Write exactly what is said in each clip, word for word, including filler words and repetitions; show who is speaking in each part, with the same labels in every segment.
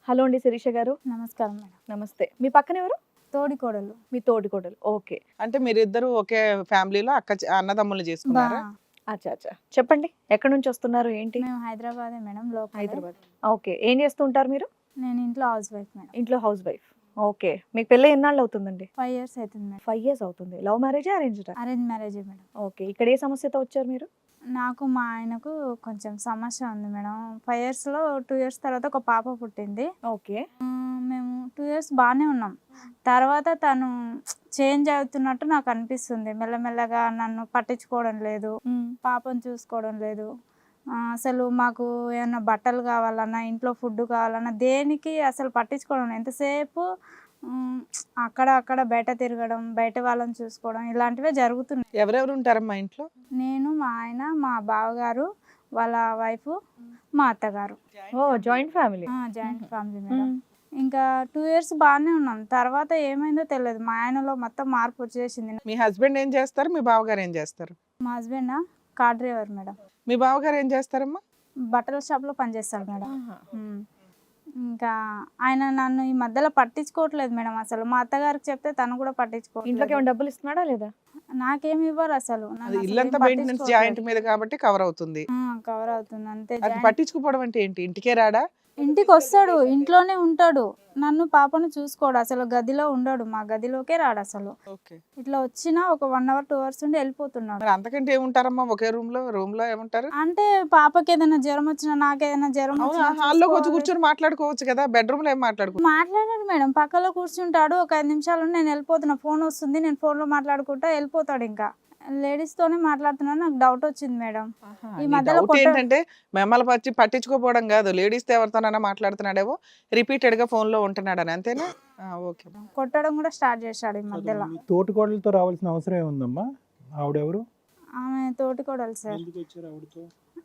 Speaker 1: Hello అండి శిరీష గారు.
Speaker 2: నమస్కారం మేడం.
Speaker 1: నమస్తే. మీ పక్కన ఎవరు?
Speaker 2: తోడి కోడలు.
Speaker 1: మీ తోడికోడలు. ఓకే.
Speaker 3: అంటే మీరిద్దరు ఒకే ఫ్యామిలీలో అక్క చె- అన్నదమ్ములు
Speaker 2: బా
Speaker 3: చేసుకున్నారా?
Speaker 1: అచ్చా అచ్చా. చెప్పండి, ఎక్కడి నుంచి వస్తున్నారు, ఏంటి?
Speaker 2: మేము హైదరాబాదే మేడం, లోకల్.
Speaker 1: హైదరాబాద్. ఓకే. ఏం చేస్తూ ఉంటారు మీరు?
Speaker 2: నేను ఇంట్లో హౌస్ వైఫ్ మేడం.
Speaker 1: ఇంట్లో హౌస్ వైఫ్. ఓకే. మీకు పెళ్ళి ఎన్నాళ్ళు అవుతుందండి?
Speaker 2: ఫైవ్ ఇయర్స్ అవుతుంది మేడం.
Speaker 1: ఫైవ్ ఇయర్స్ అవుతుంది. లవ్ మ్యారేజా, అరేంజ్డా?
Speaker 2: Arrange marriage madam.
Speaker 1: ఓకే. ఇక్కడ ఏ సమస్యతో వచ్చారు మీరు?
Speaker 2: నాకు మా ఆయనకు కొంచెం సమస్య ఉంది మేడం. ఫైవ్ ఇయర్స్లో టూ ఇయర్స్ తర్వాత ఒక పాప పుట్టింది.
Speaker 1: ఓకే.
Speaker 2: ఆ, మేము టూ ఇయర్స్ బాగానే ఉన్నాం. తర్వాత తను చేంజ్ అవుతున్నట్టు నాకు అనిపిస్తుంది. మెల్లమెల్లగా నన్ను పట్టించుకోవడం లేదు, పాపను చూసుకోవడం లేదు. ఆ, అసలు మాకు ఏమన్నా బట్టలు కావాలన్నా, ఇంట్లో ఫుడ్ కావాలన్నా దేనికి అసలు పట్టించుకోవడం లేదు. ఎంతసేపు ఉమ్, అక్కడ అక్కడ బయట తిరగడం, బయట వాళ్ళని చూసుకోవడం ఇలాంటివే జరుగుతున్నాయి.
Speaker 3: ఎవరెవరు ఉంటారమ్మా ఇంట్లో?
Speaker 2: నేను, మా ఆయన, మా బావగారు, వాళ్ళ వైఫ్, మా అత్తగారు.
Speaker 1: ఓ, joint family.
Speaker 2: Joint family madam. ఇంకా టూ ఇయర్స్ బాగానే ఉన్నాం. తర్వాత ఏమైందో తెలియదు, మా ఆయనలో మొత్తం మార్పు వచ్చేసింది.
Speaker 3: మీ హస్బెండ్ ఏం చేస్తారు, మీ బావగారు ఏం చేస్తారు?
Speaker 2: మా హస్బెండ్ కార్ డ్రైవర్ మేడం.
Speaker 3: మీ బావగారు ఏం చేస్తారమ్మా?
Speaker 2: బట్టల షాప్లో పనిచేస్తాడు మేడం. ఉమ్. ఇంకా ఆయన నన్ను ఈ మధ్యలో పట్టించుకోవట్లేదు మేడం. అసలు మా అత్తగారికి చెప్తే తను కూడా
Speaker 1: ఇంట్లోకి
Speaker 2: పట్టించుకోవట్లేదు.
Speaker 1: ఏమైనా డబ్బులు ఇస్తున్నాడా లేదా?
Speaker 2: నాకేమి ఇవ్వరు అసలు. నన్ను
Speaker 3: అది
Speaker 2: అసలు
Speaker 3: ఇల్లంతా
Speaker 2: ఏం
Speaker 3: మెయింటెనెన్స్ జాయింట్
Speaker 2: పట్టించుకోవట్లేదు.
Speaker 3: మీద కాబట్టి కవర్ అవుతుంది.
Speaker 2: ఆ, కవర్ అవుతుంది అంతే.
Speaker 3: అది
Speaker 2: జాయింట్
Speaker 3: పట్టించుకోవడం అంటే ఏంటి? ఇంటికే రాడా?
Speaker 2: ఇంటికి వస్తాడు, ఇంట్లోనే ఉంటాడు, నన్ను పాపను చూసుకోడు. అసలు గదిలో ఉండడు, మా గదిలోకే రాడు అసలు.
Speaker 3: ఓకే.
Speaker 2: ఇట్లా వచ్చినా ఒక వన్ అవర్ టూ అవర్స్ ఉండి వెళ్ళిపోతున్నాడు.
Speaker 3: మరి అంతకంటే ఏముంటారమ్మా ఒకే రూమ్ లో? రూమ్ లో ఏముంటారు?
Speaker 2: అంటే పాపకి ఏదైనా జ్వరం వచ్చినా, నాకేదైనా జ్వరం
Speaker 3: అవునా,
Speaker 2: వచ్చినా
Speaker 3: హాల్లోకి వచ్చి
Speaker 2: చూసుకోవాలి.
Speaker 3: కూర్చొని మాట్లాడుకోవచ్చు కదా, బెడ్రూమ్ లో ఏం మాట్లాడుకో?
Speaker 2: మాట్లాడాడు మేడం, పక్కలో కూర్చుంటాడు. ఒక ఐదు నిమిషాలు నేను వెళ్ళిపోతున్నా, ఫోన్ వస్తుంది, నేను ఫోన్ లో మాట్లాడుకుంటా వెళ్ళిపోతాడు. ఇంకా లేడీస్ తోనే మాట్లాడుతున్నా. నాకు డౌట్ వచ్చింది మేడం. ఈ మధ్యలో
Speaker 3: డౌట్
Speaker 2: కొట్ట-
Speaker 3: ఏంటంటే మిమ్మల్ని పచ్చి పట్టించుకోపోవడం కాదు, లేడీస్ తో ఎవరితోనైనా మాట్లాడుతున్నాడేమో, రిపీటెడ్ గా ఫోన్ లో ఉంటున్నాడని, అంతేనా? ఆ, ఓకే.
Speaker 2: కొట్టడం కూడా స్టార్ట్ చేశాడు ఈ మధ్యలో.
Speaker 4: తోటికోడలతో రావాల్సిన అవసరం ఏముందమ్మా? ఆవిడెవరు?
Speaker 2: ఆమె తోటి కోడలు సార్.
Speaker 4: ఎందుకు వచ్చారు ఆవిడతో?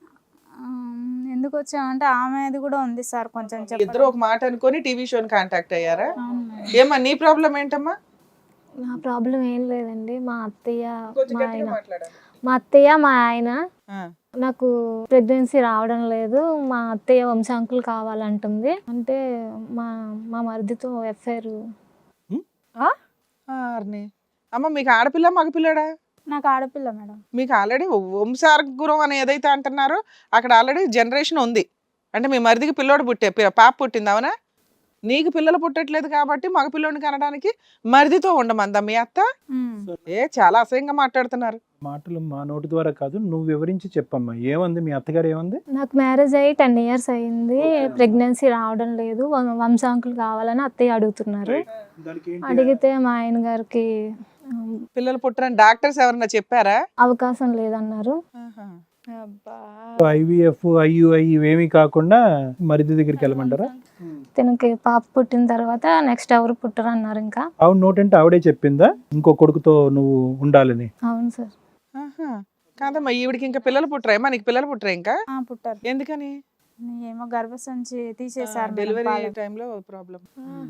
Speaker 2: ఆమ్, ఎందుకు వచ్చామంటే ఆమెది కూడా ఉంది సార్, కొంచెం
Speaker 3: ఇద్దరు
Speaker 2: చెప్పండి.
Speaker 3: ఒక మాట అనుకొని టీవీ షోని కాంటాక్ట్ అయ్యారా?
Speaker 2: అవును మేడం.
Speaker 3: ఏమా నీ ప్రాబ్లం ఏంటమ్మా?
Speaker 5: నా ప్రాబ్లం ఏం లేదండి. మా అత్తయ్య
Speaker 3: కొంచెం
Speaker 5: మా
Speaker 3: గట్టిగా
Speaker 5: ఆయన
Speaker 3: మాట్లాడాలి.
Speaker 5: మా అత్తయ్య మా ఆయన
Speaker 3: ఆ,
Speaker 5: నాకు ప్రెగ్నెన్సీ రావడం లేదు, మా అత్తయ్య వంశాంకులు కావాలంటుంది. అంటే మా మా మరిదితో ఎఫ్ఐఆర్.
Speaker 3: ఆర్ని. అమ్మ మీకు ఆడపిల్ల మగపిల్లడా?
Speaker 2: నాకు ఆడపిల్ల మేడం.
Speaker 3: మీకు ఆల్రెడీ వంశార్గురం అని ఏదైతే అంటున్నారో అక్కడ ఆల్రెడీ జనరేషన్ ఉంది. అంటే మీ మరిదికి పిల్లోడు పుట్టే పి- పాప పుట్టింది, అవునా? నీకు పిల్లలు పుట్టట్లేదు కాబట్టి మగపిల్లోడిని కనడానికి మరిదితో ఉండమందా మీ అత్త?
Speaker 2: ఉమ్.
Speaker 3: ఏ చాలా అసహ్యంగా మాట్లాడుతున్నారు.
Speaker 4: మాటలు మా నోటి ద్వారా కాదు, నువ్వు వివరించి చెప్పమ్మా. ఏమంది మీ అత్తగారు? ఏమంది?
Speaker 5: నాకు మ్యారేజ్ అయ్యి టెన్ ఇయర్స్ అయింది, ప్రెగ్నెన్సీ రావడం లేదు, వం- వంశాంకులు కావాలని అత్తయ్య అడుగుతున్నారు. అడిగితే మా ఆయన గారికి ఉమ్,
Speaker 3: పిల్లలు పుట్టరని డాక్టర్స్ ఎవరన్నా చెప్పారా?
Speaker 5: అవకాశం లేదన్నారు.
Speaker 1: అబ్బా.
Speaker 4: ఐవీఎఫ్ ఐయుఐ ఇవేమీ కాకుండా మరిది దగ్గరికి వెళ్ళమంటారా?
Speaker 5: తనకి పాప పుట్టిన తర్వాత నెక్స్ట్ ఎవరు పుట్టరు అన్నారు. ఇంకా
Speaker 4: ఆవిడ నోటంటే ఆవిడే చెప్పిందా ఇంకో కొడుకుతో నువ్వు ఉండాలని?
Speaker 5: అవును సార్.
Speaker 3: ఆహా. కాదమ్మా, ఈవిడికి ఇంకా పిల్లలు పుట్టరేమా? నీకు పిల్లలు పుట్టరా ఇంకా?
Speaker 2: ఆ, పుట్టారు.
Speaker 3: ఎందుకని?
Speaker 2: ఏమో గర్భసంచి తీసేశారు మేడం,
Speaker 3: డెలివరీ
Speaker 2: పాలు.
Speaker 3: టైంలో ప్రాబ్లం.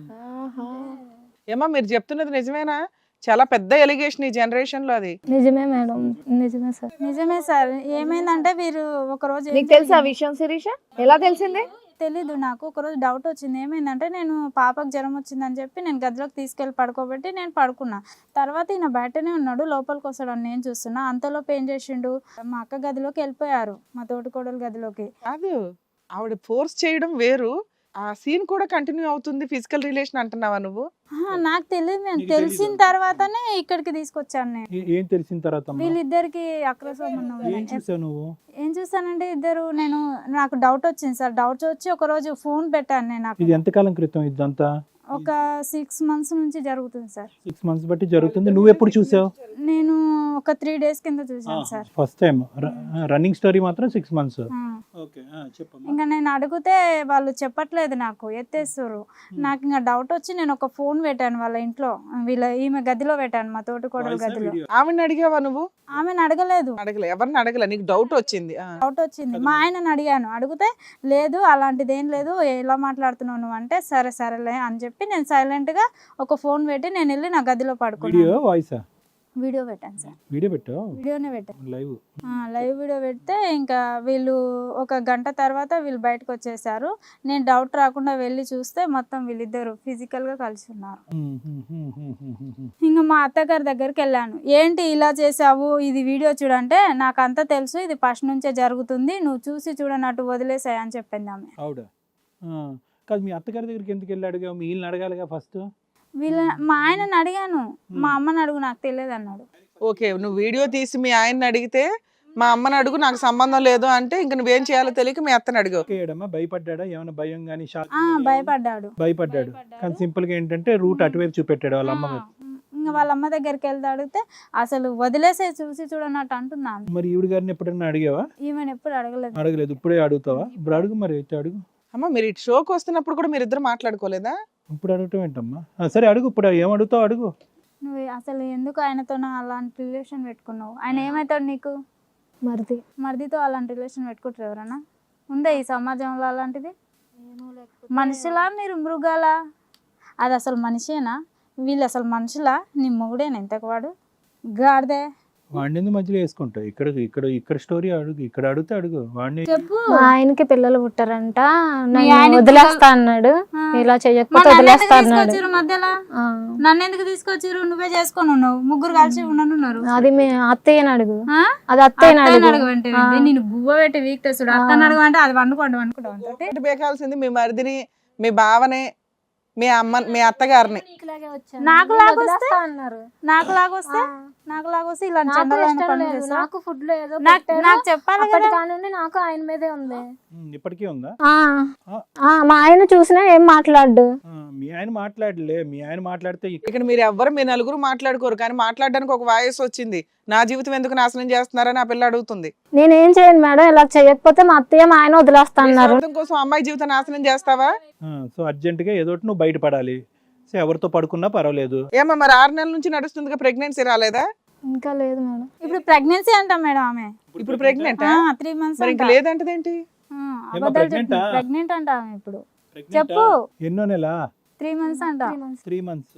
Speaker 3: ఏమా మీరు చెప్తున్నది నిజమేనా? చాలా పెద్ద ఎలిగేషన్ ఈ జనరేషన్ లో అది.
Speaker 5: నిజమే మేడం, నిజమే సార్.
Speaker 2: నిజమే సార్. ఏమైందంటే వీరు ఒక రోజు ఏం
Speaker 1: నీకు తెలుసా ఆ
Speaker 2: జరిగింది?
Speaker 1: విషయం శిరీష? ఎలా తెలిసింది?
Speaker 2: తెలీదు నాకు. ఒక రోజు డౌట్ వచ్చింది. ఏమైందంటే నేను పాపకు జ్వరం వచ్చిందని చెప్పి నేను గదిలోకి తీసుకెళ్ళి పడుకోబెట్టి నేను పడుకున్నా. తర్వాత ఈయన బయటనే ఉన్నాడు, లోపలికి వస్తాడని నేను చూస్తున్నా. అంతలోపు ఏం చేసిండు, మా అక్క గదిలోకి వెళ్ళిపోయారు, మా తోటికోడలు గదిలోకి.
Speaker 3: కాదు, ఆవిడ ఫోర్స్ చేయడం వేరు, ఆ సీన్ కూడా కంటిన్యూ అవుతుంది. ఫిజికల్ రిలేషన్ అంటున్నావా నువ్వు?
Speaker 2: ఆహా, నాకు తెలియదు. నేను
Speaker 4: నీకు
Speaker 2: తెలిసిన
Speaker 4: తెలీదా?
Speaker 2: తర్వాతనే ఇక్కడికి తీసుకొచ్చాను నేను.
Speaker 4: ఏ- ఏం తెలిసిన తర్వాత అమ్మా?
Speaker 2: వీళ్ళిద్దరికి అక్ర సంబంధం
Speaker 4: ఏం
Speaker 2: ఉంది.
Speaker 4: చూసావు నువ్వు?
Speaker 2: ఏం చూసానంటే ఇద్దరు, నేను నాకు డౌట్ వచ్చింది సార్. డౌట్ వచ్చి ఒక రోజు ఫోన్ పెట్టాను నేను.
Speaker 4: ఇది
Speaker 2: అక్కడ
Speaker 4: ఎంతకాలం క్రితం ఇదంతా?
Speaker 2: ఒక సిక్స్ మంత్స్ నుంచి జరుగుతుంది సార్.
Speaker 4: సిక్స్ మంత్స్ బట్టి జరుగుతుంది. నువ్వు ఎప్పుడు చూసావు?
Speaker 2: నేను ఒక త్రీ డేస్ కింద చూసాను sir.
Speaker 4: First time. Running story మాత్రం సిక్స్ మంత్స్.
Speaker 2: ఆ.
Speaker 4: ఓకే, చెప్పమ్మా.
Speaker 2: ఇంకా నేను అడిగితే వాళ్ళు చెప్పట్లేదు, నాకు ఎత్తేస్తారు. నాకు ఇంకా డౌట్ వచ్చి నేను ఒక ఫోన్ పెట్టాను వాళ్ళ ఇంట్లో, వీళ్ళ ఈమె గదిలో పెట్టాను, మా తోటికోడలు గదిలో.
Speaker 3: ఆవిడని అడిగావా నువ్వు?
Speaker 2: ఆమెను అడగలేదు,
Speaker 3: అడగలే, ఎవరిని అడగలే, నీకు డౌట్ వచ్చింది. ఆ.
Speaker 2: డౌట్ వచ్చింది. మా ఆయనను అడిగాను, అడిగితే లేదు అలాంటిది ఏం లేదు, ఎలా మాట్లాడుతున్నావు నువ్వు అంటే సరే సరేలే అని చెప్పి నేను సైలెంట్ గా ఒక ఫోన్ పెట్టి నేను వెళ్ళి నా గదిలో
Speaker 4: వీడియో
Speaker 2: పడుకున్నాను.
Speaker 4: వాయిసా?
Speaker 2: వీడియో పెట్టాను సార్,
Speaker 4: వీడియో పెట్టావు
Speaker 2: వీడియోనే పెట్టాను.
Speaker 4: లైవ్.
Speaker 2: ఆ, లైవ్ వీడియో పెడితే ఇంకా వీళ్ళు ఒక గంట తర్వాత వీళ్ళు బయటకు వచ్చేసారు. నేను డౌట్ రాకుండా వెళ్ళి చూస్తే మొత్తం వీళ్ళిద్దరు ఫిజికల్గా కలిసి ఉన్నారు. ఇంకా మా అత్తగారి దగ్గరికి వెళ్ళాను, ఏంటి ఇలా చేసావు, ఇది వీడియో చూడంటే నాకు అంతా తెలుసు, ఇది ఫస్ట్ నుంచే జరుగుతుంది, నువ్వు చూసి చూడనట్టు వదిలేసాయి అని చెప్పింది ఆమె.
Speaker 4: ఆవిడ కాదు, మీ అత్తగారి దగ్గరికి ఎందుకు వెళ్ళి అడిగా? మీ వీళ్ళని అడగాలిగా ఫస్ట్.
Speaker 2: వీళ్ళ మా ఆయనని అడిగాను, మా అమ్మని అడుగు నాకు తెలియదు అన్నాడు.
Speaker 3: ఓకే, నువ్వు వీడియో తీసి మీ ఆయన్ని అడిగితే మా అమ్మని అడుగు నాకు సంబంధం లేదు అంటే ఇంక నువ్వేం చేయాలో తెలియక మీ అత్తని అడిగావు.
Speaker 4: ఏడమ్మా భయపడ్డా? ఏమైనా భయం కానీ షాక్?
Speaker 2: ఆ భయపడ్డాడు
Speaker 4: భయపడ్డాడు కానీ సింపుల్ గా ఏంటంటే రూట్ అటువైపు చూపెట్టాడు వాళ్ళ అమ్మ వైపు.
Speaker 2: ఇంకా వాళ్ళ అమ్మ దగ్గరికి వెళ్తే అడిగితే అసలు వదిలేసే చూసి చూడనట్టు అంటున్నాను.
Speaker 4: మరి ఈవిడ గారిని ఎప్పుడన్నా అడిగావా?
Speaker 2: ఈమెను ఎప్పుడు అడగలేదు.
Speaker 4: అడగలేదు, ఇప్పుడే అడుగుతావా? ఇప్పుడు అడుగు, మరి అయితే అడుగు.
Speaker 3: అమ్మ మీరు ఇటు షోకి వస్తున్నప్పుడు కూడా మీరు ఇద్దరు మాట్లాడుకోలేదా?
Speaker 4: ఇప్పుడు అడగటం ఏంటమ్మా? ఆ, సరే అడుగు, ఇప్పుడు ఏం అడుగుతావు అడుగు.
Speaker 2: నువ్వు అసలు ఎందుకు ఆయనతో అలాంటి రిలేషన్ పెట్టుకున్నావు? ఆయన ఏమవుతాడు నీకు?
Speaker 5: మరిది.
Speaker 2: మరిదితో అలాంటి రిలేషన్ పెట్టుకుంటారు ఎవరన్నా? ఉందా ఈ సమాజంలో అలాంటిది? మనుషులా మీరు మృగాలా? అది అసలు మనిషేనా? వీళ్ళు అసలు మనుషులా? నీ మొగుడేనా ఇంతకు వాడు? గాడిదే.
Speaker 4: వాడిని మధ్యలో వేసుకుంటావు. ఇక్కడ ఇక్కడ ఇక్కడ స్టోరీ అడుగు, ఇక్కడ అడిగితే అడుగు. వాడిని
Speaker 2: చెప్పు.
Speaker 5: మా ఆయనకి పిల్లలు పుట్టారంట,
Speaker 2: మీ
Speaker 5: నన్ను
Speaker 2: ఆయనకి
Speaker 5: వదిలేస్తా అన్నాడు,
Speaker 2: ఆ.
Speaker 5: ఇలా
Speaker 2: మరి
Speaker 5: చెయ్యకపోతే
Speaker 2: నన్ను ఎందుకు
Speaker 5: వదిలేస్తా అన్నాడు.
Speaker 2: తీసుకొచ్చిర్రు మధ్యలో?
Speaker 5: ఆ.
Speaker 2: నన్ను ఎందుకు తీసుకొచ్చిర్రు? నువ్వే చేసుకొని ఉన్నావు, ముగ్గురు కలిసి ఉండనున్నారు.
Speaker 5: అది మీ అత్తయ్యని అడుగు.
Speaker 2: ఆ?
Speaker 5: అది అత్తయ్యని
Speaker 2: అత్తయ్యని
Speaker 5: అడుగు.
Speaker 2: అడగమంటే
Speaker 5: ఆ.
Speaker 2: ఏంటి? నేను గువ్వ పెట్టి వీక్ తెస్తుడు. అత్తని అడగమంటే అది వండుకోండి వండుకుంటాం అంతే.
Speaker 3: ఒకటి బేకాల్సింది మీ మరిదిని, మీ బావనే, మీ అమ్మ, మీ అత్తగారిని.
Speaker 2: నాకు లాగొస్తే
Speaker 5: వదిలేస్తా అన్నారు.
Speaker 2: నాకు లాగొస్తే నాకు లాగొస్తే ఇలాంటి
Speaker 5: నాకు
Speaker 2: చండాలమైన
Speaker 5: ఇష్టం
Speaker 2: పనులు
Speaker 5: లేదు.
Speaker 2: చేస్తా.
Speaker 5: నాకు ఫుడ్ లో ఏదో
Speaker 2: నాకు
Speaker 5: పెట్టారు.
Speaker 2: నాకు చెప్పాలి
Speaker 5: అప్పటి
Speaker 2: కదా.
Speaker 5: కానుండి నాకు ఆయన మీదే ఉంది.
Speaker 4: ఉమ్, ఇప్పటికీ ఉందా?
Speaker 5: ఆ.
Speaker 4: ఆ.
Speaker 5: ఆ, మా ఆయన చూసినా ఏం మాట్లాడు.
Speaker 4: ఆ, మీ ఆయన మాట్లాడలే, మీ ఆయన మాట్లాడితే ఇక్కడ
Speaker 3: ఇక్కడ మీరు ఎవ్వరు మీ నలుగురు మాట్లాడుకోరు కానీ మాట్లాడడానికి ఒక వాయిస్ వచ్చింది, నా జీవితం ఎందుకు నాశనం చేస్తున్నారని ఆ పిల్ల అడుగుతుంది.
Speaker 5: నేనేం చేయను మేడం, ఇలా చేయకపోతే మా అత్తయ్య మా ఆయన వదిలేస్తా
Speaker 3: నీ
Speaker 5: అన్నారు.
Speaker 3: స్వార్థం కోసం అమ్మాయి జీవితం నాశనం చేస్తావా?
Speaker 4: సో అర్జెంటుగా ఏదో ఒకటి నువ్వు బయటపడాలి. సో ఎవరితో పడుకున్నా పర్వాలేదు.
Speaker 3: ఏమా మరి ఆరు నెలల నుంచి నడుస్తుందిగా, ప్రెగ్నెన్సీ రాలేదా?
Speaker 5: ఇంకా లేదు మేడం.
Speaker 2: ఇప్పుడు ప్రెగ్నెన్సీ అంటాం మేడం ఆమె.
Speaker 3: ఇప్పుడు ప్రెగ్నెంట్
Speaker 2: త్రీ మంత్స్
Speaker 3: మరి ఇంక లేదంటదేంటి?
Speaker 4: pregnant ఆ?
Speaker 2: ప్రెగ్నెంట్ అంట ఆమె ఇప్పుడు.
Speaker 4: Pregnant
Speaker 2: చెప్పు.
Speaker 4: ఆ? ఎన్నో నెల?
Speaker 2: త్రీ మంత్స్ అంట.
Speaker 4: Three months.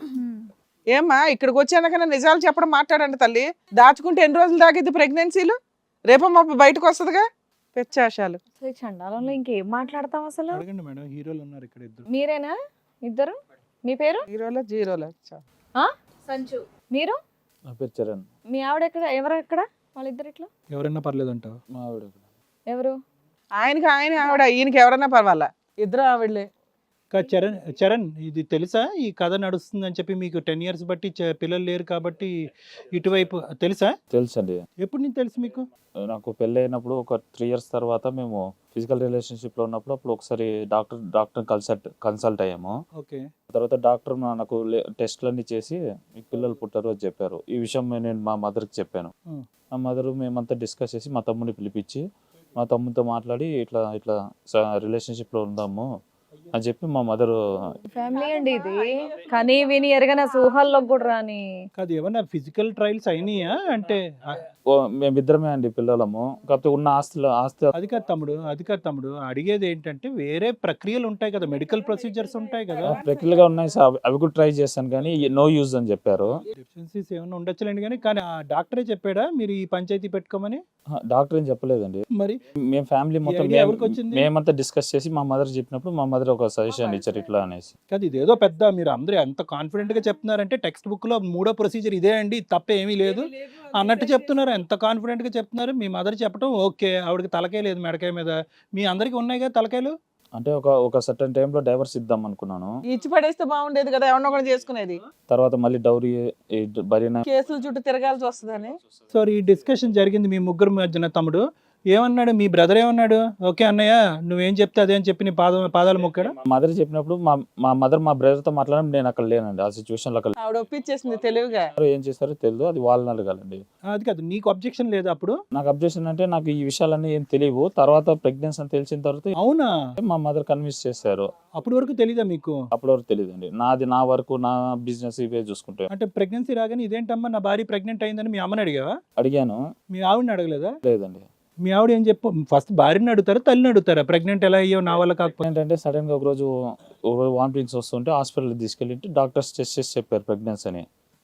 Speaker 3: ఏమ్మా ఇక్కడికి వచ్చాకన్నా నిజాలు చెప్పడం మాట్లాడండి తల్లి. దాచుకుంటే ఎన్ని రోజులు దాగిద్ది ప్రెగ్నెన్సీలు? రేపమ్మా బయటకు వస్తుందిగా పెచ్చాశాలు.
Speaker 1: చండాలంలో ఇంకేం మాట్లాడతాం అసలు?
Speaker 4: అడగండి మేడం, హీరోలు ఉన్నారు ఇక్కడ ఇద్దరు.
Speaker 1: మీరేనా ఇద్దరు? మీ పేరు?
Speaker 3: జీరోలో జీరోలో
Speaker 1: ఆ? సంచు. మీరు?
Speaker 6: నా పేరు చరణ్.
Speaker 1: మీ ఆవిడ ఎక్కడ? ఎవరు ఎక్కడ? వాళ్ళిద్దరు ఇట్లా
Speaker 4: ఎవరైనా పర్లేదు అంటావు?
Speaker 6: మా ఆవిడ
Speaker 1: ఎవరు?
Speaker 3: ఆయనకి ఆయన ఆవిడ, ఈయనకి ఎవరన్నా పర్వాలా, ఇద్దరు ఆవిడలే.
Speaker 4: కా- చరణ్ చరణ్ ఇది తెలుసా? ఈ కథ నడుస్తుంది అని చెప్పి మీకు టెన్ ఇయర్స్ బట్టి చ- పిల్లలు లేరు కాబట్టి ఇటువైపు తెలుసా?
Speaker 6: తెలుసు అండి.
Speaker 4: ఎప్పుడు నీకు తెలుసు మీకు?
Speaker 6: నాకు పెళ్ళి అయినప్పుడు ఒక త్రీ ఇయర్స్ తర్వాత మేము ఫిజికల్ రిలేషన్షిప్లో ఉన్నప్పుడు అప్పుడు ఒకసారి డాక్టర్ డాక్టర్ కన్సల్ట్ కన్సల్ట్ అయ్యాము.
Speaker 4: ఓకే.
Speaker 6: తర్వాత డాక్టర్ నాకు టెస్ట్లన్నీ చేసి మీకు పిల్లలు పుట్టారు అని చెప్పారు. ఈ విషయం నేను మా మదర్కి చెప్పాను.
Speaker 4: Hmm.
Speaker 6: మా మదర్ మేమంతా డిస్కస్ చేసి మా తమ్ముడిని పిలిపించి మా తమ్ముడితో మాట్లాడి ఇట్లా ఇట్లా రిలేషన్షిప్లో ఉందాము అని చెప్పి మా మదర్.
Speaker 1: ఫ్యామిలీ అండి ఇది, కానీ విని ఎరగన ఊహల్లోకి కూడా రాని.
Speaker 4: కాదు, ఏమన్నా ఫిజికల్ ట్రయల్స్ అయినాయా? అంటే ఆ,
Speaker 6: మేమిద్దరమే అండి పిల్లలము. కాకపోతే ఉన్న ఆస్తులు ఆస్తి
Speaker 4: అది కాదు తమ్ముడు, అది కాదు తమ్ముడు, అడిగేది ఏంటంటే వేరే ప్రక్రియలు ఉంటాయి కదా, మెడికల్ ప్రొసీజర్స్ ఉంటాయి కదా.
Speaker 6: ప్రక్రియలుగా ఉన్నాయి సార్, అవి కూడా ట్రై చేశాను కానీ నో యూజ్ అని చెప్పారు.
Speaker 4: డెఫిషియన్సీస్ ఏమైనా ఉండొచ్చులేండి కానీ కానీ ఆ డాక్టరే చెప్పాడా మీరు ఈ పంచాయతీ పెట్టుకోమని?
Speaker 6: డాక్టర్ ఏం చెప్పలేదండి.
Speaker 4: మరి
Speaker 6: మేము ఫ్యామిలీ మొత్తం
Speaker 4: idea ఎవరికి వచ్చింది?
Speaker 6: మేమంతా డిస్కస్ చేసి మా మదర్ చెప్పినప్పుడు మా మదర్ ఒక సజెషన్ ఇచ్చారు ఇట్లా అనేసి.
Speaker 4: కాదు, ఇదేదో పెద్ద మీరు అందరూ ఎంత కాన్ఫిడెంట్ గా చెప్తున్నారంటే టెక్స్ట్ బుక్ లో మూడో ప్రొసీజర్ ఇదే అండి, తప్ప ఏమీ లేదు అన్నట్టు చెప్తున్నారు. ఎంత కాన్ఫిడెంట్ గా చెప్తున్నారు. మీ మదర్ చెప్పడం ఓకే, ఆవిడకి తలకాయ లేదు మెడకాయ మీద, మీ అందరికి ఉన్నాయి కదా తలకాయలు.
Speaker 6: అంటే ఒక ఒక సర్టన్ టైంలో డైవర్స్ ఇద్దాం అనుకున్నాను.
Speaker 3: ఇచ్చి పడేస్తే బాగుండేది కదా, ఎవరినో ఒకటి చేసుకునేది.
Speaker 6: తర్వాత మళ్ళీ డౌరీ భరిన
Speaker 3: కేసుల చుట్టూ తిరగాల్సి వస్తుందని.
Speaker 4: సో ఈ డిస్కషన్ జరిగింది మీ ముగ్గురు మధ్యన. తమ్ముడు ఏమన్నాడు? మీ బ్రదర్ ఏమన్నాడు? ఓకే అన్నయ్య నువ్వేం చెప్తే అదే అని చెప్పి నీ పాద పాదాలు మొక్కాడు.
Speaker 6: మా మదర్ చెప్పినప్పుడు మా మా మదర్ మా బ్రదర్తో మాట్లాడడం నేను అక్కడ లేనండి, ఆ సిచ్యువేషన్లో అక్కడ
Speaker 3: ఆవిడ ఒప్పించేసింది తెలివిగా.
Speaker 6: ఏం చేస్తారో తెలియదు, అది వాళ్ళని అడగాలండి.
Speaker 4: అది కాదు, నీకు అబ్జెక్షన్ లేదు అప్పుడు?
Speaker 6: నాకు అబ్జెక్షన్ అంటే నాకు ఈ విషయాలన్నీ ఏం తెలియవు. తర్వాత ప్రెగ్నెన్సీ అని తెలిసిన తర్వాత
Speaker 4: అవునా?
Speaker 6: మా మదర్ కన్విన్స్ చేశారు.
Speaker 4: అప్పటి వరకు తెలీదా మీకు?
Speaker 6: అప్పటి వరకు తెలియదండి. నాది నా వరకు నా బిజినెస్ ఇవే చూసుకుంటే.
Speaker 4: అంటే ప్రెగ్నెన్సీ రాగానే ఇదేంటమ్మా నా భార్య ప్రెగ్నెంట్ అయిందని మీ అమ్మని అడిగావా?
Speaker 6: అడిగాను.
Speaker 4: మీ ఆవిడని అడగలేదా?
Speaker 6: లేదండి.
Speaker 4: మీ ఆవిడ ఏం చెప్పు? ఫస్ట్ భార్యని అడుగుతారా తల్లిని అడుగుతారా? ప్రెగ్నెంట్ ఎలా అయ్యో నా వల్ల కాకపోతే?
Speaker 6: ఏంటంటే సడన్ గా ఒక రోజు వామిటింగ్స్ వస్తుంటే హాస్పిటల్ తీసుకెళ్ళి డాక్టర్స్ టెస్ట్ చేసి చెప్పారు ప్రెగ్నెన్సీ అని.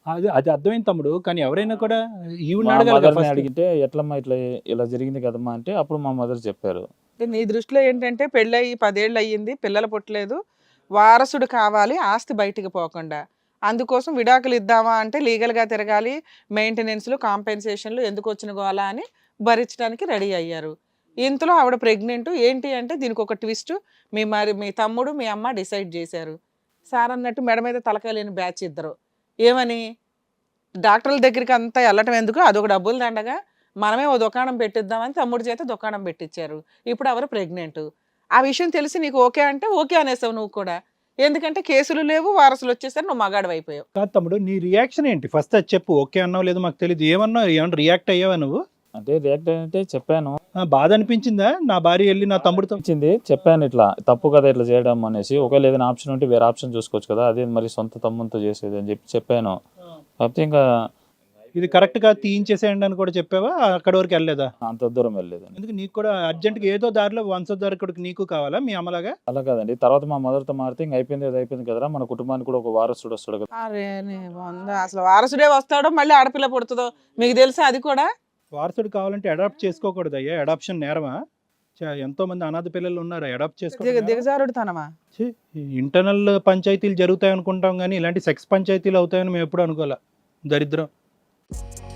Speaker 4: అది అది అర్థమైంది తమ్ముడు, కానీ ఎవరైనా కూడా ఈవిడ
Speaker 6: మా
Speaker 4: అడగాలి కదా
Speaker 6: మదర్ని
Speaker 4: first.
Speaker 6: అడిగితే ఎట్లమ్మా ఇట్లా ఇలా జరిగింది కదమ్మా అంటే అప్పుడు మా మదర్ చెప్పారు.
Speaker 3: అంటే నీ దృష్టిలో ఏంటంటే పెళ్ళయి పదేళ్ళు అయ్యింది, పిల్లలు పుట్టలేదు, వారసుడు కావాలి ఆస్తి బయటికి పోకుండా, అందుకోసం విడాకులు ఇద్దామా అంటే లీగల్గా తిరగాలి, మెయింటెనెన్స్లు కాంపెన్సేషన్లు ఎందుకు వచ్చిన గోలా అని భరించడానికి రెడీ అయ్యారు. ఇంతలో ఆవిడ ప్రెగ్నెంట్ ఏంటి అంటే దీనికి ఒక ట్విస్ట్, మీ మరి మీ తమ్ముడు మీ అమ్మ డిసైడ్ చేశారు. సార్ అన్నట్టు మెడ మీద తలకాయ లేని బ్యాచ్ ఇద్దరు. ఏమని డాక్టర్ల దగ్గరికి అంతా వెళ్ళటం ఎందుకు, అదొక డబ్బులు దండగా, మనమే ఓ దుకాణం పెట్టిద్దామని తమ్ముడి చేత దుకాణం పెట్టించారు. ఇప్పుడు ఎవరు ప్రెగ్నెంట్. ఆ విషయం తెలిసి నీకు ఓకే అంటే ఓకే అనేసావు నువ్వు కూడా, ఎందుకంటే కేసులు లేవు, వారసులు వచ్చేసరి నువ్వు మగాడు అయిపోయావు.
Speaker 4: కాదు తమ్ముడు, నీ రియాక్షన్ ఏంటి ఫస్ట్ అది చెప్పు. ఓకే అన్నావు లేదు మాకు తెలియదు, ఏమన్నావు, ఏమన్నా రియాక్ట్ అయ్యావా నువ్వు?
Speaker 6: అంటే రియాక్ట్ అంటే చెప్పాను,
Speaker 4: ఆ, బాధ అనిపించిందా నా భార్య వెళ్ళి నా తమ్ముడితో?
Speaker 6: ఇచ్చింది చెప్పాను ఇట్లా తప్పు కదా ఇట్లా చేయడం అనేసి, ఒకవేళ ఏదైనా ఆప్షన్ ఉంటే వేరే ఆప్షన్ చూసుకోవచ్చు కదా, అదే మరి సొంత తమ్ముతో చేసేది అని చెప్పి చెప్పాను. కాకపోతే ఇంకా
Speaker 4: ఇది కరెక్ట్ గా తీయించేసేయండి అని కూడా చెప్పావా? అక్కడ వరకు వెళ్ళలేదా?
Speaker 6: అంత దూరం వెళ్ళలేదండి.
Speaker 4: ఎందుకు నీకు కూడా అర్జెంట్ గా ఏదో దారిలో వంశోద్ధారకుడికి నీకు కావాలా మీ అమ్మలాగా?
Speaker 6: అలా కాదండి, తర్వాత మా మదర్తో మారితే ఇంక అయిపోయింది అది అయిపోయింది కదరా, మన కుటుంబానికి కూడా ఒక వారసుడు వస్తాడు కదా.
Speaker 3: అరే నీ వంద, అసలు వారసుడే వస్తాడో మళ్ళీ ఆడపిల్ల పుడుతుందో మీకు తెలుసా? అది కూడా
Speaker 4: వారసుడు కావాలంటే అడాప్ట్ చేసుకోకూడదు అయ్యా, అడాప్షన్ నేరమా? చా- ఎంతో మంది అనాథ పిల్లలు ఉన్నారు, అడాప్ట్
Speaker 3: దిగ
Speaker 4: చేసుకో.
Speaker 3: దిగజారుడు తనమా?
Speaker 4: ఇంటర్నల్ పంచాయతీలు జరుగుతాయి అనుకుంటాం కానీ ఇలాంటి సెక్స్ పంచాయతీలు అవుతాయని మేము ఎప్పుడు అనుకోలే. దరిద్రం.